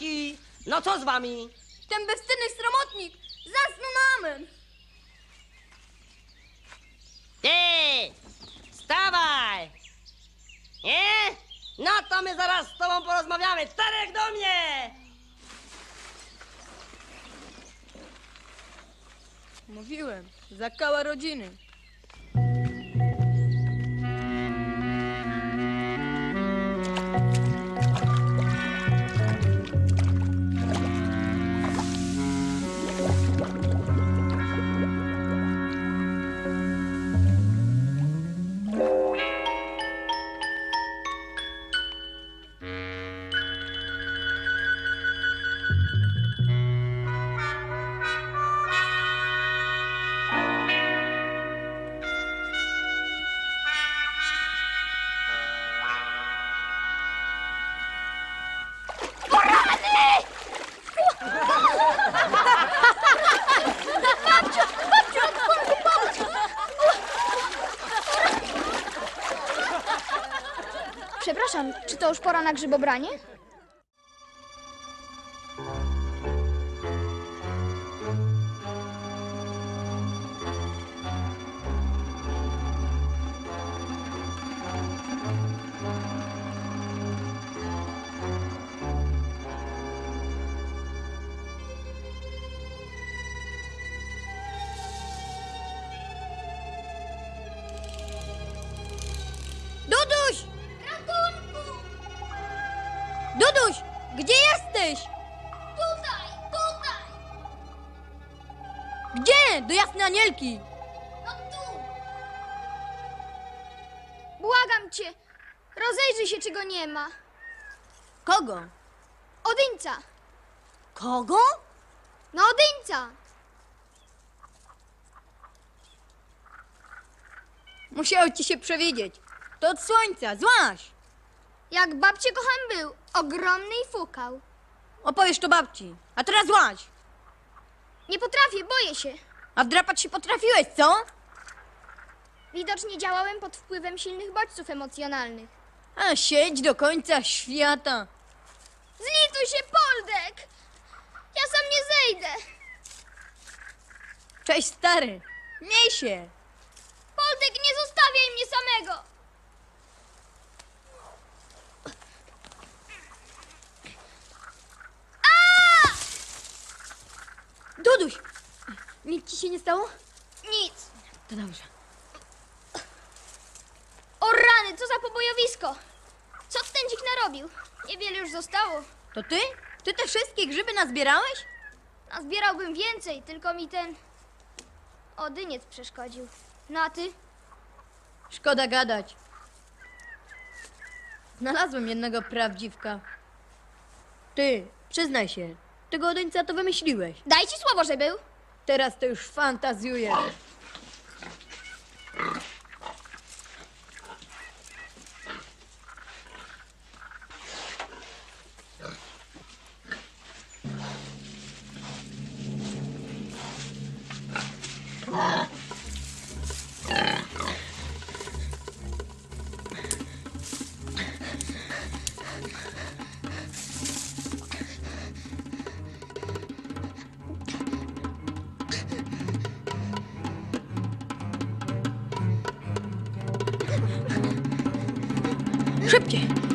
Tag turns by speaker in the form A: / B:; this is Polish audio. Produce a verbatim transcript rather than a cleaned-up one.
A: Chłopaki, no co z wami?
B: Ten bezcenny sromotnik zasnął na amen.
A: Ty, wstawaj! Nie? No to my zaraz z tobą porozmawiamy. Czterech do mnie!
B: Mówiłem, zakała rodziny.
C: Przepraszam, czy to już pora na grzybobranie?
B: Duduś! Duduś, gdzie jesteś?
C: Tutaj, tutaj!
B: Gdzie? Do jasnej Anielki.
C: No tu! Błagam cię, rozejrzyj się, czy go nie ma.
B: Kogo?
C: Odyńca!
B: Kogo?
C: No Odyńca!
B: Musiało ci się przewidzieć. To od słońca, złaś.
C: Jak babcie kocham był, ogromny i fukał.
B: Opowiesz to babci. A teraz złaś.
C: Nie potrafię, boję się.
B: A wdrapać się potrafiłeś, co?
C: Widocznie działałem pod wpływem silnych bodźców emocjonalnych.
B: A siedź do końca świata.
C: Zlituj się, Poldek! Ja sam nie zejdę.
B: Cześć, stary. Miej się.
C: Poldek, nie zostawiaj mnie samego!
B: Duduś, nic ci się nie stało?
C: Nic.
B: To dobrze.
C: O rany, co za pobojowisko! Co ten dzik narobił? Niewiele już zostało.
B: To ty? Ty te wszystkie grzyby nazbierałeś?
C: Nazbierałbym więcej, tylko mi ten odyniec przeszkodził. No a ty?
B: Szkoda gadać. Znalazłem jednego prawdziwka. Ty, przyznaj się, tego odeńca to wymyśliłeś.
C: Daj ci słowo, że był.
B: Teraz to już fantazjujesz. Szybciej!